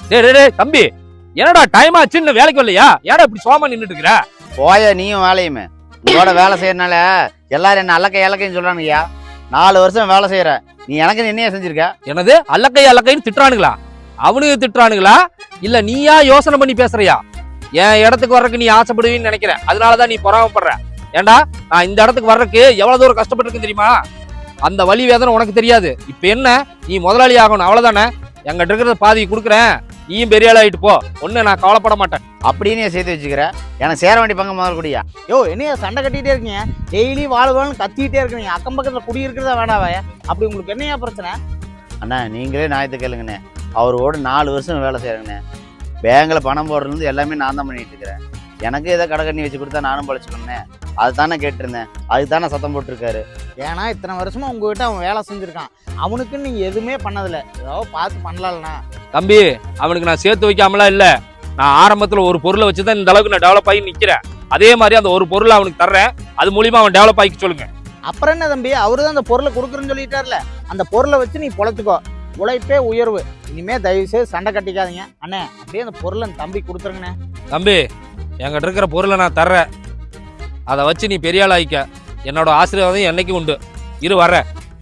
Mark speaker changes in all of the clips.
Speaker 1: டேய் தம்பி, என்னடா டைம் ஆச்சு இன்னும் வேலைக்கு வரலையா? ஏடா இப்படி சோமா நின்னுட்டு இருக்கிற?
Speaker 2: போய நீயும் வேலையுமே உங்களோட வேலை செய்யறதுனால எல்லாரும் என்ன அல்லக்கைன்னு சொல்றானுங்கய்யா. 4 வருஷம் வேலை செய்யற நீ எனக்கு என்னையா செஞ்சிருக்க?
Speaker 1: என்னது அல்லக்கைன்னு திட்டுறானுங்களா? அவனுக்கு திட்டுறானுங்களா இல்ல நீயா யோசனை பண்ணி பேசுறியா? என் இடத்துக்கு வர்றதுக்கு நீ ஆசைப்படுவீன்னு நினைக்கிற, அதனாலதான் நீ பொறாமப்படுற. ஏண்டா நான் இந்த இடத்துக்கு வர்றதுக்கு எவ்வளவு தூரம் கஷ்டப்பட்டிருக்கேன் தெரியுமா? அந்த வலி வேதனை உனக்கு தெரியாது. இப்ப என்ன, நீ முதலாளி ஆகணும் அவ்வளவுதானே. எங்கிட்ட இருக்கிறத பாதி கொடுக்குறேன், நீயும் பெரிய ஆள் ஆயிட்டு போ. ஒண்ணு நான் கவலைப்பட மாட்டேன்.
Speaker 2: அப்படின்னு சேர்த்து வச்சுக்கிற. எனக்கு சேர வேண்டிய பங்கு முதல் கூடியா?
Speaker 3: யோ என்னையா சண்டை கட்டிட்டே இருக்கீங்க? டெய்லி வாழ்வாள்னு கத்திக்கிட்டே இருக்கீங்க. அக்கம் பக்கத்துல குடி இருக்கிறதா வேணாவாயா? அப்படி உங்களுக்கு என்னையா பிரச்சனை?
Speaker 2: அண்ணா நீங்களே நியாயத்தை கேளுங்கண்ணே. அவரோட 4 வருஷம் வேலை செய்யறேங்கண்ணே. பேங்க்ல பணம் போடுறது எல்லாமே நான் தான் பண்ணிட்டு இருக்கிறேன். எனக்கு ஏதோ கடை கண்ணி வச்சு கொடுத்தா நானும் பழச்சுக்கோண்ணே. அதுதானே கேட்டிருந்தேன், அதுதானே சத்தம் போட்டிருக்காரு.
Speaker 3: ஏன்னா இத்தனை வருஷமா உங்ககிட்ட அவன் வேலை செஞ்சிருக்கான். அவனுக்குன்னு நீங்க எதுவுமே பண்ணதில்ல. ஏதோ பார்த்து பண்ணலாம்னா.
Speaker 1: தம்பி, அவனுக்கு நான் சேர்த்து வைக்காமலாம் இல்ல. நான் ஆரம்பத்துல ஒரு பொருளை வச்சுதான் இந்த அளவுக்கு நான் டெவலப் ஆகி நிக்கிறேன். அதே மாதிரி அந்த ஒரு பொருளை அவனுக்கு தர்றேன், அது மூலியமா அவன் டெவலப் ஆகி சொல்லுங்க.
Speaker 3: அப்புறம் என்ன தம்பி, அவரு தான் அந்த பொருளை கொடுக்குறேன்னு சொல்லிட்டார்ல. அந்த பொருளை வச்சு நீ பொழைச்சுக்கோ. உழைப்பே உயர்வு. இனிமே தயவு செய்து சண்டை கட்டிக்காதீங்க அண்ணே. அப்படியே அந்த பொருளை தம்பி கொடுத்துருங்கண்ணே.
Speaker 1: தம்பி, என்கிட்ட இருக்கிற பொருளை நான் தர்றேன், அதை வச்சு நீ பெரிய ஆள் ஆயிக்க. என்னோட ஆசீர்வாதம் என்னைக்கு உண்டு. இரு வர்ற.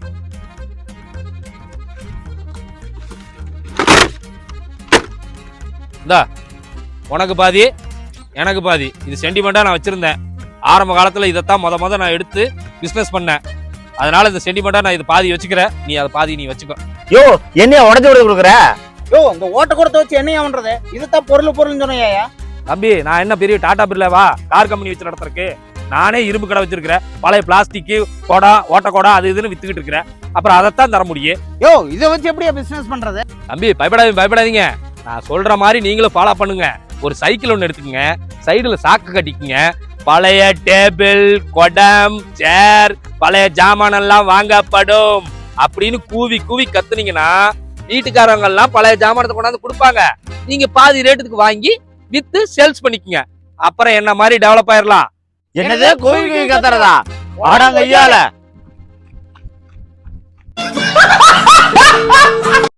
Speaker 1: இந்தா உனக்கு பாதி எனக்கு பாதி. இது சென்டிமெண்டா நான் வச்சிருந்தேன். ஆரம்ப காலத்துல இதைத்தான் முத நான் எடுத்து பிசினஸ் பண்ணேன். அதனால இந்த சென்டிமெண்டா நான் இது பாதி வச்சுக்கிறேன், நீ அதை பாதி நீ வச்சுக்கோ.
Speaker 2: யோ என்னையா உடச்சு விட கொடுக்குற?
Speaker 3: யோ இந்த ஓட்ட கொடுத்த வச்சு என்னையா பண்றது? இதுதான் பொருள்னு சொன்னையா?
Speaker 1: தம்பி, நான் என்ன பெரிய டாடா பிர்லாவா கார் கம்பெனி வச்சு நடத்துறதுக்கு? நானே இரும்பு கடை வச்சிருக்கிறேன். பழைய பிளாஸ்டிக் கொடா ஓட்ட கொடா அது இதுன்னு வித்துக்கிட்டு இருக்கிறேன். அப்புறம் அதைத்தான் தர முடியும்.
Speaker 3: யோ இதை வச்சு எப்படியா பிசினஸ் பண்றது?
Speaker 1: தம்பி பயப்படாதீங்க. நான் சொல்ற மாதிரி நீங்களும் ஃபாலோ பண்ணுங்க. ஒரு சைக்கிள் ஒன்று எடுத்துக்கங்க, சைடுல சாக்கு கட்டிக்குங்க. பழைய டேபிள் குடம் சேர் பழைய ஜாமான் எல்லாம் வாங்கப்படும் அப்படின்னு கூவி கத்துனீங்கன்னா வீட்டுக்காரங்க எல்லாம் பழைய ஜாமானத்தை கொண்டாந்து கொடுப்பாங்க. நீங்க பாதி ரேட்டுக்கு வாங்கி வித்து சேல்ஸ் பண்ணிக்கங்க. அப்புறம் என்ன மாதிரி டெவலப் ஆயிரலாம்.
Speaker 2: என்னது கோவில் கத்துறதா? ஆடாங்க ஐயால